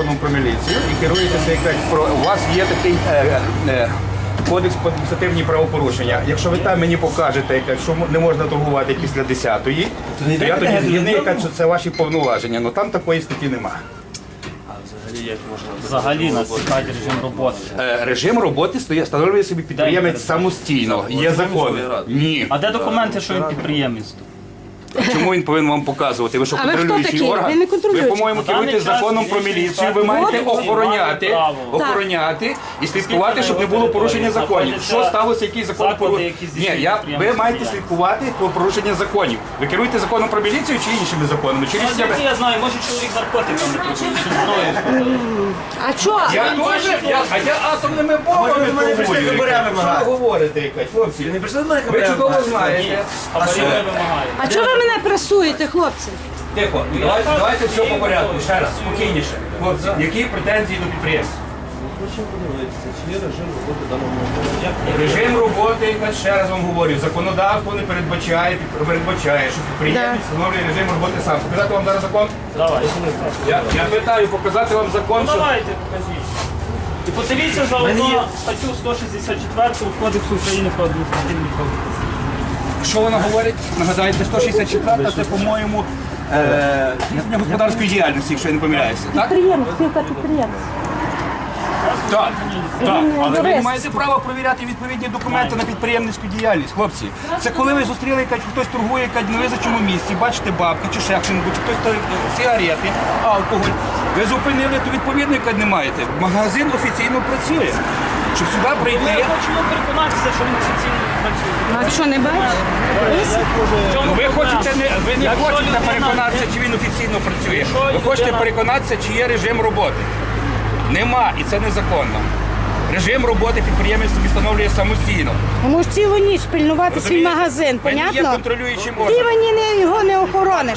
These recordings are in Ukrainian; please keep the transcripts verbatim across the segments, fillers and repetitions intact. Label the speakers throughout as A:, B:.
A: законом про міліцію і керуєтеся, як кажуть, про у вас є такий е, е, кодекс про адміністративні правопорушення. Якщо ви там мені покажете, яка, що не можна торгувати після десятої, то я тоді згідний, яка, що це ваші повноваження. Ну там такої статті немає.
B: Взагалі нас цікавить режим роботи.
A: Е, режим роботи стоїть, встановлює собі підприємець самостійно. Є закон. Ні.
B: А де документи, що він підприємець?
A: Чому він повинен вам показувати? Ви що,
C: А ви хто
A: контролюючий
C: такий?
A: орган?
C: Ви не контролюючий.
A: Ви, по-моєму,
B: На даний
A: керуєте
B: час
A: законом про
B: міліція
A: міліцію. Ви
B: так
A: маєте
B: має
A: охороняти,
B: право.
A: охороняти і слідкувати, щоб не було порушення законів. Що сталося, який закон
B: заклади,
A: порушення?
B: які
A: Ні,
B: здійснюють
A: я, ви
B: підприємницьку
A: маєте
B: діяльність.
A: слідкувати про порушення законів. Ви керуєте законом про міліцію чи іншими законами? Чи
B: Ну,
A: рішеннями?
B: звідки я знаю, може чоловік наркотиками тут, чи зброєю.
C: А що?
A: Я теж, я, а я атомними бомбами
D: ви мене прийшли
A: торгую.
D: хабаря
A: Що
D: вимагати?
A: ви говорите, якась, хлопці?
D: Не прийшли до мене
A: Ви
D: хабаря
A: чудово
D: вимагати?
A: знаєте.
B: Хабарів не вимагає.
C: А чого ви мене пресуєте, хлопці?
A: Тихо, давайте, давайте все по порядку, ще раз, спокійніше. Хлопці, які претензії до підприємства?
D: Хочемо подивитися, чи є режим роботи даного автомобіля.
A: Режим роботи, я ще раз вам говорю, законодавство не передбачає, передбачає, що підприємець встановлює режим роботи сам. Показати вам зараз закон?
B: Давай.
A: Я, я питаю, показати вам закон,
B: Ну
A: що...
B: давайте, покажіть. І подивіться заодно статтю сто шістдесят четверту Кодексу України про адміністративні правопорушення.
A: Що вона говорить? Нагадайте, сто шістдесят четверта, це, по-моєму, е, здійснення господарської діяльності, якщо я не помиляюся. Так?
C: Підприємець, спілка підприємець.
A: Так, так, але ви не
C: юрист.
A: маєте права перевіряти відповідні документи на підприємницьку діяльність, хлопці. Це коли ви зустріли, якась, хтось торгує якась на визначеному місці, бачите бабки чи ще щось, чи хтось торгує сигарети, алкоголь. Ви зупинили, то відповідно якась не маєте. Магазин офіційно працює. Щоб сюди
B: Ми
A: прийти,
B: хочемо переконатися, що він офіційно працює.
C: А що, не бачиш?
B: В чому
A: ви
B: проблема?
A: хочете не ви не
B: Якщо
A: хочете
B: людина-
A: переконатися, чи він офіційно працює.
B: Якщо
A: Ви хочете
B: людина-
A: переконатися, чи є режим роботи. Нема, і це незаконно. Режим роботи підприємець собі встановлює самостійно.
C: Ну, може цілу ніч пильнувати свій
A: Розумієте?
C: магазин,
A: Ви не є
C: понятно?
A: контролюючим
C: Ти
A: органом.
C: мені не, його не охорониш.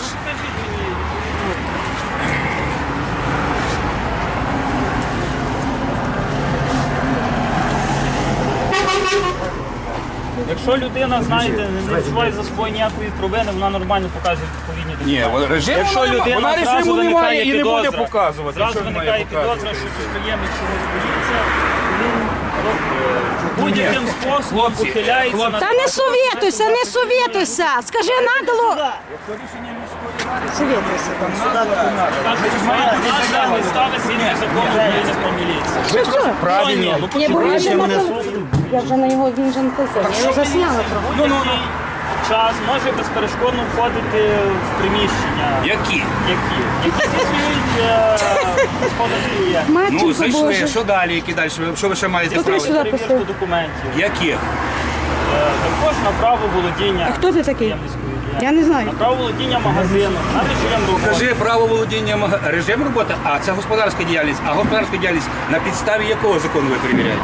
B: Якщо людина, знаєте, не відчуває за собою ніякої провини, вона нормально показує відповідні
A: Ні,
B: документи.
A: вона- режиму
B: Якщо
A: нема.
B: людина
A: Вона
B: зразу
A: режиму немає
B: виникає
A: і не буде
B: підозра,
A: показувати.
B: Зразу
A: Що він має
B: виникає
A: показувати?
B: підозра, що підприємець чогось боїться, він будь-яким способом
A: Хлопці,
B: ухиляється
A: хлопці.
B: на
C: Та не совєтуйся, не совєтуйся. Скажи, надало. Совєтуйся.
B: нагляд ставить згідно закону України про міліцію.
A: Ви просто правильно.
B: Ну,
C: Я бо він вже на
B: мене
C: теле- Я вже на його, він вже на телефоні. Я його засняла трохи.
B: Ну, ну, час може безперешкодно входити в приміщення.
A: Які?
B: Які? Які здійснюють е, господарські діяльність.
A: Ну,
C: Матінко
A: зайшли,
C: Боже.
A: що далі, які далі? Що ви ще маєте
C: Хто
A: справи?
C: сюди
B: Перевірку
C: пустив?
B: документів.
A: Яких?
B: Е, Також на право володіння.
C: А хто ти такий?
B: підприємницькою діяльністю.
C: Я не знаю.
B: На право володіння магазину, на режим роботи.
A: Кажи право володіння мага- режим роботи, а це господарська діяльність. А господарська діяльність на підставі якого закону ви перевіряєте?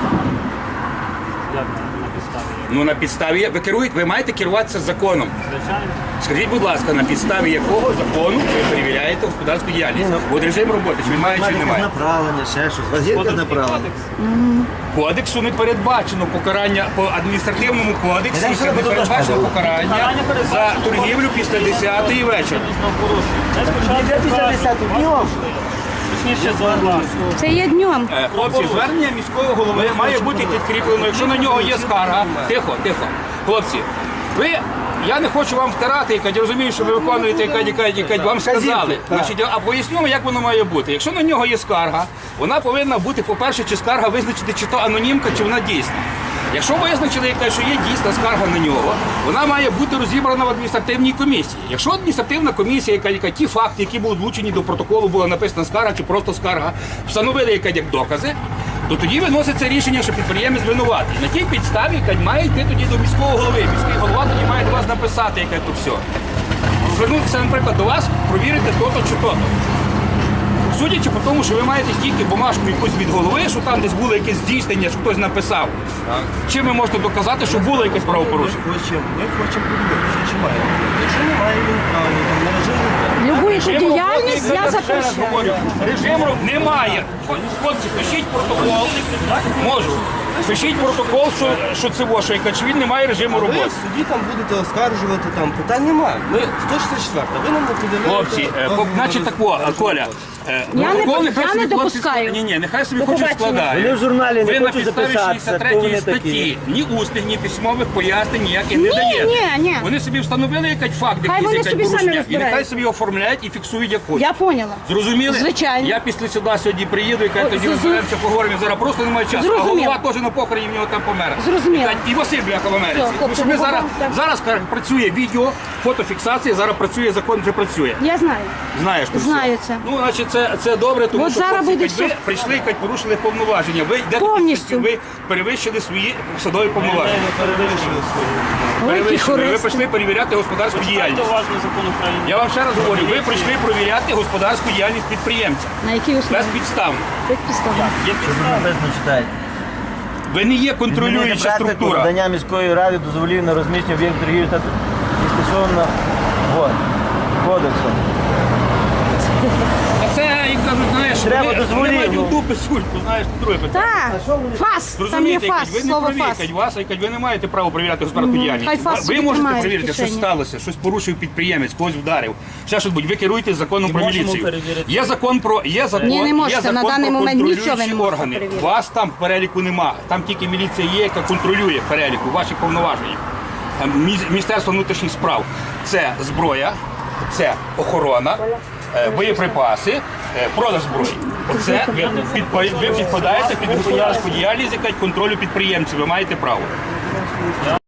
B: Як на підставі?
A: Ну на підставі ви керуєте, ви маєте керуватися законом.
B: Звичайно.
A: Скажіть, будь ласка, на підставі якого закону ви перевіряєте господарську діяльність? От режим роботи, чи він має, чи немає?
D: Направлення, ще щось. У вас є якесь направлення?
B: Кодекс.
A: Кодексу не передбачено покарання по адміністративному кодексі,
D: Я
A: не передбачено покарання
B: Покарання
A: за
B: передбачено.
A: торгівлю після десятої вечора.
B: Звісно, порушення. Це спочатку
D: Де після
B: кажуть,
D: десятої?
B: вас
D: Днем.
B: пішли. Точніше, за власну.
C: Це є днем.
A: Е, Хлопці, звернення міського голови має бути підкріплено, якщо на нього є скарга. Тихо, тихо. Хлопці, ви, я не хочу вам втирати, яка, я розумію, що ви виконуєте, яка, яка, яка вам сказали. Значить, а поясню, як воно має бути. Якщо на нього є скарга, вона повинна бути, по-перше, чи скарга визначити, чи то анонімка, чи вона дійсна. Якщо визначили, яка, що є дійсна скарга на нього, вона має бути розібрана в адміністративній комісії. Якщо адміністративна комісія, яка, яка ті факти, які були влучені до протоколу, була написана скарга чи просто скарга, встановили яка, як докази, то тоді виноситься рішення, що підприємець винуватий. На тій підставі яка, має йти тоді до міського голови. Міський голова тоді має до вас написати, яке тут все. Звернутися, наприклад, до вас, провірити то-то чи то-то. Судячи по тому, що ви маєте тільки бумажку якусь від голови, що там десь було якесь здійснення, що хтось написав. Чим ви можете доказати, що було якесь правопорушення?
D: Ми хочемо, ми хочемо подивитися, чи має. Якщо немає, він правильно, там на режим роботи.
C: Любу
A: Режим
C: діяльність
A: роботи,
C: я
A: ще раз
C: запрещаю.
A: говорю, Режим роботи немає. Хлопці, пишіть протокол. Можу. Пишіть протокол, що, що це во, що яка, чи він не має режиму
D: Ви
A: роботи.
D: в суді там будете оскаржувати, там питань немає. Ми сто шістдесят четверта, ви нам не пред'являєте.
A: Хлопці, е, по-
D: дозвіл
A: значить
D: на
A: тако,
D: розміщення
A: Коля, е,
C: Я не
A: протокол
C: по-
A: нехай
C: я
A: собі
C: не
A: хлопці
C: допускаю.
A: складають. Ні, ні, нехай собі
C: До
A: хочуть
C: побачення.
A: складають.
E: Вони в журналі не
A: Ви на
E: хочуть
A: підставі
E: записатися,
A: шістдесят
E: хто
A: третьої
E: вони
A: статті
E: такі.
A: ні усних, ні письмових пояснень ніяких не
C: Ні,
A: даєте.
C: ні, ні.
A: Вони собі встановили якийсь факт,
C: Хай
A: якийсь
C: вони
A: якесь
C: собі самі
A: порушення, і
C: розбираються.
A: нехай собі оформляють і фіксують як хочуть.
C: Я поняла.
A: Зрозуміли?
C: Звичайно.
A: Я після сюди сьогодні приїду і кажу, тоді
C: зрозум-
A: розберемося, поговоримо. Зараз просто немає часу. А
C: Зрозуміло.
A: голова теж на похороні в нього там помер.
C: Зрозуміло.
A: І кажуть, І Василь бляха в Америці.
C: Все,
A: Тому що ми
C: хлопці,
A: зараз,
C: так.
A: зараз кажуть, працює відео, фотофіксація, зараз працює, закон вже працює.
C: Я знаю.
A: Знаєш ти
C: Знаю
A: все.
C: це.
A: Ну, значить, це, це добре, тому
C: От
A: що
C: зараз
A: хлопці,
C: буде
A: кажуть, ви
C: все.
A: прийшли, кажуть, порушили повноваження. Ви йдете
C: Повністю.
A: під- ви перевищили свої посадові повноваження.
D: Не перевищили свої.
C: Ой, які
A: Перевищили. Ви
C: хористи.
A: прийшли перевіряти господарську
B: Читайте
A: діяльність.
B: уважно закон України.
A: Я вам ще раз говорю, ви прийшли перевіряти господарську діяльність підприємця.
C: На якій основі?
A: Безпідставно.
C: Підставно.
B: Є підстави.
E: Написано читайте.
A: Ви не є
E: Змінити
A: контролююча
E: практику
A: структура.
E: надання міської ради дозволів на розміщення об'єктів торгівлі та і стосовно вот, кодексу.
A: А це, як кажуть, знаєш,
E: Треба
A: вони,
E: дозволів,
A: вони мають
E: ну.
A: в дупи сульку, знаєш, друге питання.
C: Так, фас, там є
A: Зрозумієте,
C: фас,
A: якось, ви не
C: слово
A: праві,
C: фас.
A: якось, вас, якось, ви не маєте права перевіряти господарську
C: Хай
A: діяльність.
C: фас
A: Ви
C: собі
A: можете
C: тримає в
A: перевірити, що
C: кишені.
A: сталося, щось порушив підприємець, когось вдарив. Ще щось будь, ви керуєтесь законом
B: І
A: про
B: можемо
A: міліцію.
B: перевірити.
A: Є закон про є закон,
C: Ні, не
A: є
C: можете.
A: закон
C: На даний
A: про
C: момент нічого ви
A: контролюючі
C: не можете
A: органи.
C: перевірити.
A: Вас там в переліку нема. Там тільки міліція є, яка контролює переліку, ваші повноваження. Там мі- Міністерство внутрішніх справ це зброя, це охорона, е, боєприпаси, е, продаж зброї. Оце ви, підпа- ви підпадаєте під господарську діяльність, яка контролю підприємців. Ви маєте право.